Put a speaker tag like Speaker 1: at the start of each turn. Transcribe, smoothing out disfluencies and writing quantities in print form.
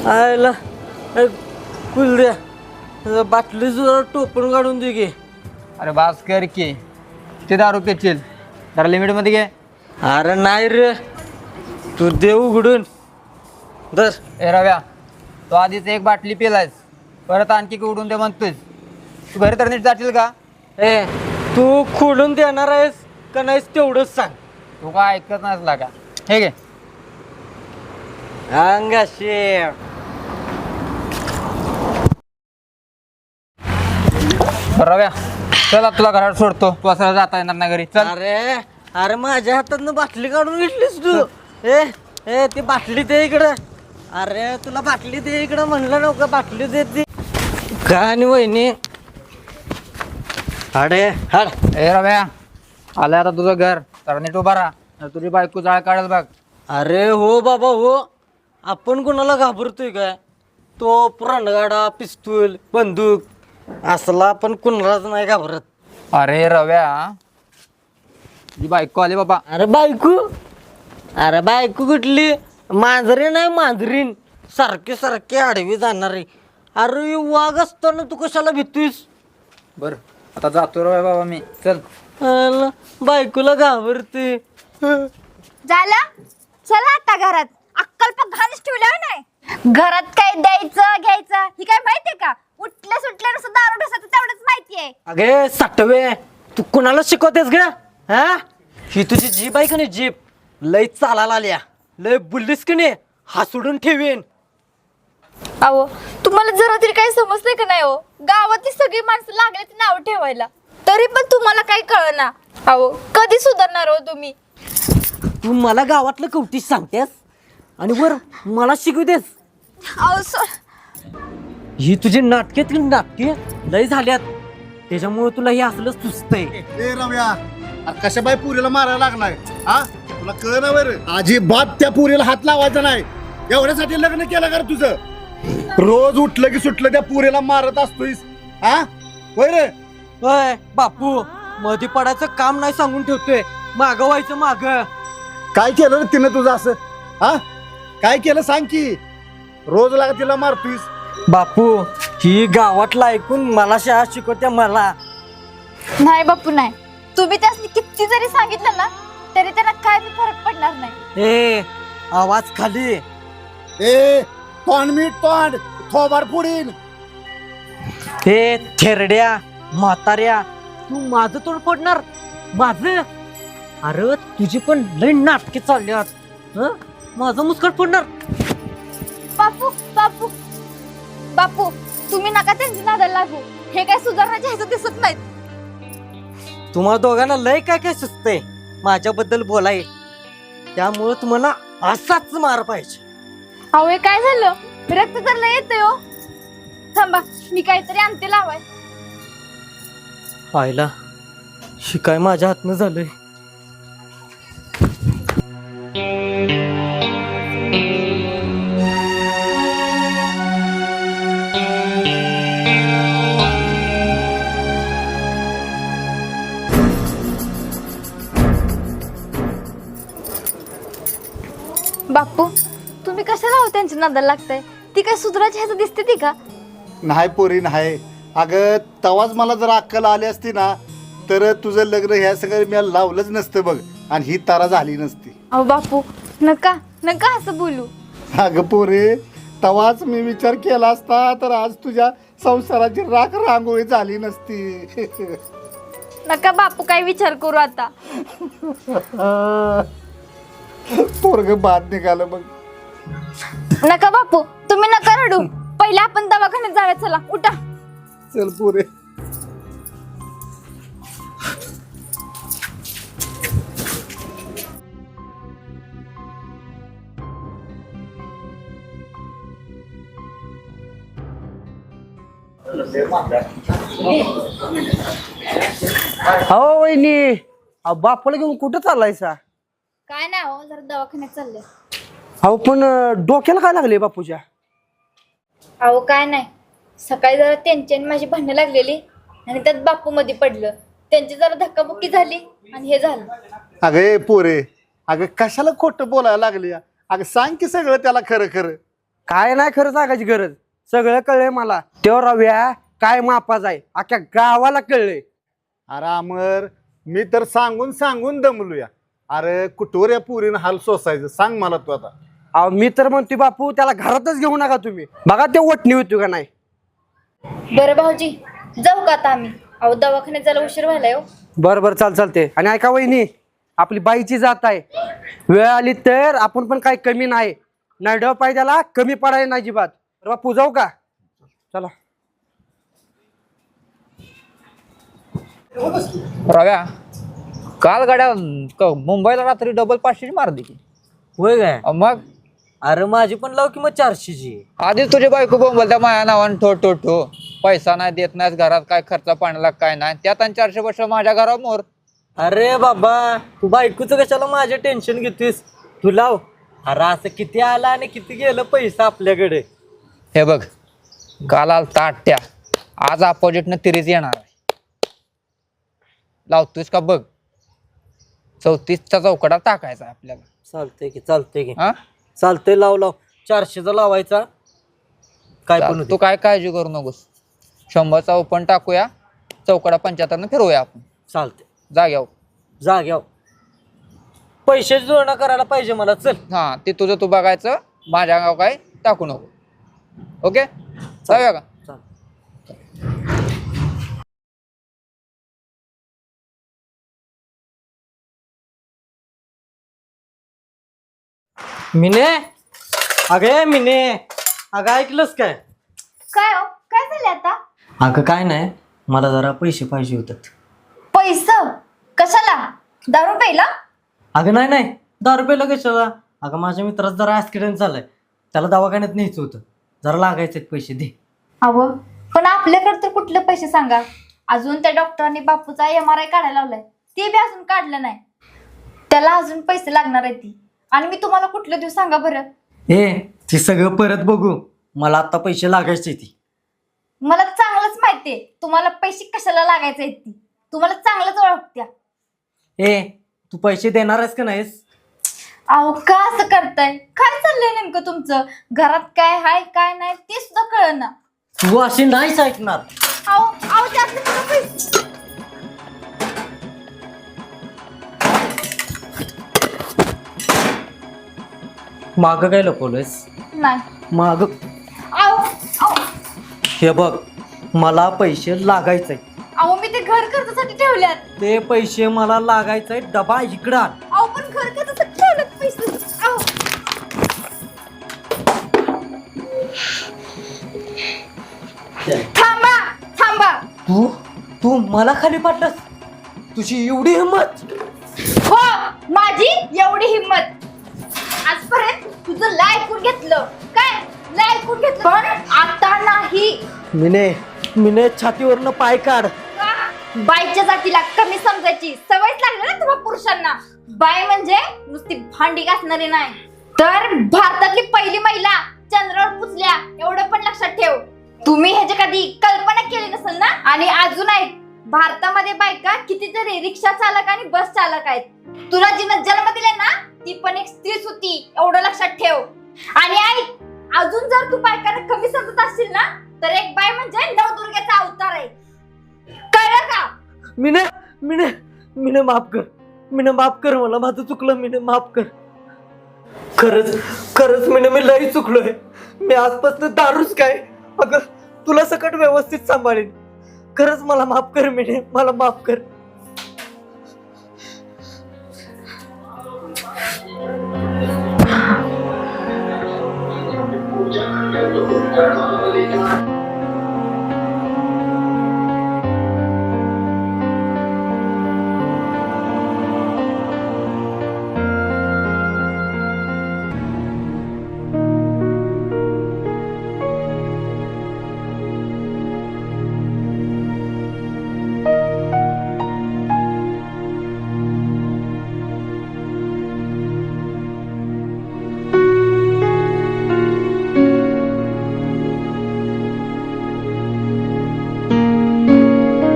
Speaker 1: आयला कुलद्या बाटली सुद्धा टोपण काढून दे की.
Speaker 2: अरे बास कर की ते दारू पेचील जरा लिमिटमध्ये घे.
Speaker 1: अरे नाही रे तू देव उघडून दर.
Speaker 2: ए रव्या तो आधीच एक बाटली पिलायस परत आणखी उडून दे म्हणतोय. तू घरी तर नीट जाशील का?
Speaker 1: ए तू खोडून देणार आहेस का नाहीस तेवढंच सांग.
Speaker 2: तू काय ऐकत नसला का? हे घे.
Speaker 1: अंगाशी
Speaker 2: रव्या चला तुला घरात सोडतो. तू असं जाता येणार नाही घरी. चल.
Speaker 1: अरे अरे माझ्या हातातनं बाटली काढून घेतलीस तू. ए ए ती बाटली दे इकडं. अरे तुला बाटली दे इकडं म्हणलं नव्हतं बाटली दे ती का. आणि वहिनी अरे हाड.
Speaker 2: ए रव्या आलं आता तुझं घर तर नीट उभा राहा. तुझी बायको जाळ काढेल बघ.
Speaker 1: अरे हो बाबा हो. आपण कोणाला घाबरतोय काय. तो पुरणगाडा पिस्तूल बंदूक असला आपण कुणालाच नाही घाबरत.
Speaker 2: अरे रव्या तुझी बायको आली बाबा.
Speaker 1: अरे बायको कुठली. मांजरी नाही मांजरीन सारखे सारखे आडवी जाणारी. अरे वाघ असताना तू कशाला भीतोयस.
Speaker 2: बर आता जातो रव्या बाबा मी. चल.
Speaker 1: अला, बायकोला घाबरते.
Speaker 3: झालं चला आता घरात. अक्कल पण घाणच ठेवलं नाही. घरात काय द्यायचं घ्यायचं ही काय माहितीये का. उठल्या सुटल्या नुसतं दारू ढोसायचं तेवढंच माहितीये.
Speaker 1: अगे साठवे तू कुणाला शिकवतेस ग. हा ही तुझी जीप आहे का नाही जीप लय चालायला आल्या. लय बुललीस की नाही हा सोडून ठेवीन.
Speaker 3: अहो तुम्हाला जरा तरी काही समजलंय का नाही. हो गावातली सगळी माणसं लागले ती नाव ठेवायला तरी पण तुम्हाला काही कळना. अहो कधी सुधारणार हो तुम्ही.
Speaker 1: तू मला गावातलं कवटीस सांगतेस आणि वर मला शिकवतेस.
Speaker 3: अहो
Speaker 1: ही तुझी नाटके लय झाल्यात त्याच्यामुळे तुला हे असलं सुचतंय.
Speaker 4: ए रव्या कशा बाई पुरीला मारायला लागलाय. हा तुला कळ ना बर. अजिबात त्या पुरीला हात लावायचा नाही. एवढ्यासाठी लग्न केलं का रे तुझं. रोज उठलं की सुटलं त्या पुरीला मारत असतोयस. हा होय रे.
Speaker 1: होय बापू मध्ये पडायचं काम नाही सांगून ठेवतोय. मागं व्हायचं माग.
Speaker 4: काय केलं रे तिनं तुझं असं. हा काय केलं सांग की. रोज लागा तिला मारतोयस.
Speaker 1: बापू ही गावातला ऐकून मला शाळा शिकवत्या मला.
Speaker 3: नाही बापू नाही. तुम्ही त्यासनी किती जरी सांगितलं ना तरी त्यांना काय बी फरक पडणार नाही.
Speaker 1: ए आवाज खाली.
Speaker 4: ए तोंड मीठ तोंड थोबाड पुढील.
Speaker 1: ए थेरड्या म्हाताऱ्या तू माझं तोंड फोडणार माझं. अरे तुझी पण लय नाटके चालल्यात. हं? माझं मुस्कट फोडणार.
Speaker 3: बापू बापू बापू तुम्ही नका त्यांची नादाला लागू. हे काय सुधारण्याचे ह्याचं दिसत नाहीत.
Speaker 1: तुम्हाला दोघांना लय काय काय सुचतंय माझ्याबद्दल बोलाय. त्यामुळे तुम्हाला असाच मार पाहिजे.
Speaker 3: अहो हे काय झालं. रक्त तर लय येतंय हो. थांबा मी काहीतरी आणते लावाय.
Speaker 1: आईला शिकाय माझ्या हातनं झालंय.
Speaker 3: बापू तुम्ही कशाला हो त्यांच्या नादाला लागताय. ती काय सुधारायची ह्याचं दिसते ती का.
Speaker 4: नाही पोरी नाही. अगं तवाच मला जर अक्कल आली असती ना तर तुझं लग्न ह्या सगळं मी लावलंच नसतं बघ. आणि ही तारा झाली नसती.
Speaker 3: अहो बापू नका नका असं बोलू.
Speaker 4: अगं पोरे तवाच मी विचार केला असता तर आज तुझ्या संसाराची राख रांगोळी झाली नसती.
Speaker 3: नका बापू काय विचार करू आता.
Speaker 4: पोरग बाद निघालं मग.
Speaker 3: नका बापू तुम्ही नका रडू. पहिले आपण दवाखान्यात जाऊया. चला उठा.
Speaker 4: चल पोरे.
Speaker 1: हो वहिनी बापाला घेऊन कुठं चाललायसा.
Speaker 3: काय नाही हो जरा दवाखान्यात चालले.
Speaker 1: अहो पण डोक्याला काय लागले बापूच्या.
Speaker 3: अहो काय नाही सकाळी जरा त्यांची आणि माझी भांडणं लागलेली आणि त्यात बापू मध्ये पडलं. त्यांची जरा धक्काबुक्की झाली आणि हे झालं.
Speaker 4: अगं पोरे अगं कशाला खोटं बोलायला लागली. अगं सांग की सगळं त्याला खरं खरं.
Speaker 5: काय नाही खरं सांगायची गरज, सगळं कळलंय मला. तो रव्या काय मापाचा आहे अख्ख्या गावाला कळलंय.
Speaker 4: अरे अमर, मी तर सांगून सांगून दमलूया. अरे कुठवर या पुरीनं हाल सोसायचं सांग मला तू आता.
Speaker 5: अहो मी तर म्हणतोय बापू त्याला घरातच घेऊ नका तुम्ही. बघा ते वटणी होती का नाही.
Speaker 3: बरं भाऊजी, जाऊ का आता आम्ही? अहो दवाखान्यात जायला उशीर व्हायलाय हो.
Speaker 5: बरं बरं चालते. आणि ऐका वहिनी, आपली बाईची जात आहे, वेळ आली तर आपण पण काही कमी नाही. नरडव पाय त्याला कमी पडायला नाही अजिबात. बरं बापू जाऊ का? चला.
Speaker 2: रव्या, काल गाड्या मुंबईला रात्री डबल 500 मारली की.
Speaker 1: होय काय?
Speaker 2: मग
Speaker 1: अरे माझी पण लाव की मग 400ची.
Speaker 2: आधीच तुझी बायको बोंबल त्या माया नावानं ठो ठो ठो. पैसा नाही देत नाहीस, घरात काय खर्च पाण्याला काय नाही, त्यात आणि 400 वर्ष माझ्या घरावर मोर.
Speaker 1: अरे बाबा, तू बायकोचं कशाला माझे टेन्शन घेतोस? तू लाव. अरे असं किती आला आणि किती गेलं पैसा आपल्याकडे.
Speaker 2: हे बघ, काल आलता 8, आज अपोजिटनं 30 येणार आहे. लावतोयस का बघ. 34चा चौकडा टाकायचा आहे आपल्याला.
Speaker 1: चालतंय की
Speaker 2: हा,
Speaker 1: चालतंय, लाव 400चा लावायचा. काय पण
Speaker 2: तू काय काळजी करू नकोस. 100चा ओपन टाकूया, चौकडा 75 फिरवूया आपण.
Speaker 1: चालतंय.
Speaker 2: जाग्यावर
Speaker 1: पैशाची जोडणा करायला पाहिजे मला. चल.
Speaker 2: हा, ते तुझं तू बघायचं, माझ्या गाव काय टाकू नको. ओके, जाऊया का?
Speaker 1: मिने, अगं ऐकलंस काय?
Speaker 3: काय हो, काय झालं आता?
Speaker 1: अगं काय नाही, मला जरा पैसे पाहिजे होतात.
Speaker 3: पैसे कशाला? दारू प्यायला?
Speaker 1: अगं नाही, 10 रुपयाला कशाला? अगं माझ्या मित्राचा जरा ऍक्सिडेंट झालाय, त्याला दवाखान्यात न्यायचं होतं, जरा लागायचे पैसे दे.
Speaker 3: अहो पण आपल्याकडे तर कुठले पैसे सांगा? अजून त्या डॉक्टरांनी बापूचा MRI काढायला लावलाय, ते बी अजून काढलं नाही. त्याला अजून पैसे लागणार आहेत ती. आणि मी तुम्हाला कुठले देऊ सांगा बरं?
Speaker 1: ते सगळं परत बघू, मला आता पैसे लागायचे ती.
Speaker 3: मला चांगलंच माहितीये तुम्हाला पैसे कशाला लागायचे आहेत ती. तुम्हाला चांगलंच ओळखत्या.
Speaker 1: तू पैसे देणार आहेस का नाहीस?
Speaker 3: अहो का असं करताय? काय चाललंय नेमकं तुमचं? घरात काय हाय काय नाही ते सुद्धा कळना.
Speaker 1: तू अशी नाहीच ऐकणार.
Speaker 3: अहो जास्त मला पैसे.
Speaker 1: माग काय लपवलंयस?
Speaker 3: नाही.
Speaker 1: माग
Speaker 3: अहो
Speaker 1: हे बघ, मला पैसे लागायचे.
Speaker 3: मी ते घर खर्चासाठी ठेवल्यात.
Speaker 1: ते पैसे मला लागायचे. डबा इकडं आण.
Speaker 3: पण घर खर्चासाठी ठेवल्यात पैसे. थांबा.
Speaker 1: तू मला खाली पाडलंस? तुझी एवढी हिंमत?
Speaker 3: हो, माझी एवढी हिंमत. आजपर्यंत तुझं ऐकून घेतलं. काय ऐकून घेतलं? पण आता नाही.
Speaker 1: मिने छातीवरनं पाय काढ.
Speaker 3: बाईच्या जातीला कमी समजायची सवयच लागली ना तुम्हा पुरुषांना. बाई म्हणजे नुसती भांडी घासणारी नाही, तर भारतातली पहिली महिला चंद्रावर पुजल्या एवढं पण लक्षात ठेव. तुम्ही ह्याची कधी कल्पना केली नसेल ना. आणि अजून ऐक, भारतामध्ये बायका कितीतरी रिक्षा चालक आणि बस चालक आहेत. तुला जिनं जन्म दिले ना ती पण एक स्त्रीच होती, एवढं लक्षात ठेव. आणि ऐक, अजून जर तू बायकांना कमी समजत असशील ना, तर एक बाई म्हणजे नवदुर्गेचा अवतार आहे. कळलं का?
Speaker 1: मिने माफ कर मला. माझं चुकलं मिने, माफ कर. खरंच मिने, मी लई चुकलोय. मी आजपासून दारूच काय, अगं तुला सकट व्यवस्थित सांभाळेन. खरंच मला माफ कर मिने, मला माफ कर.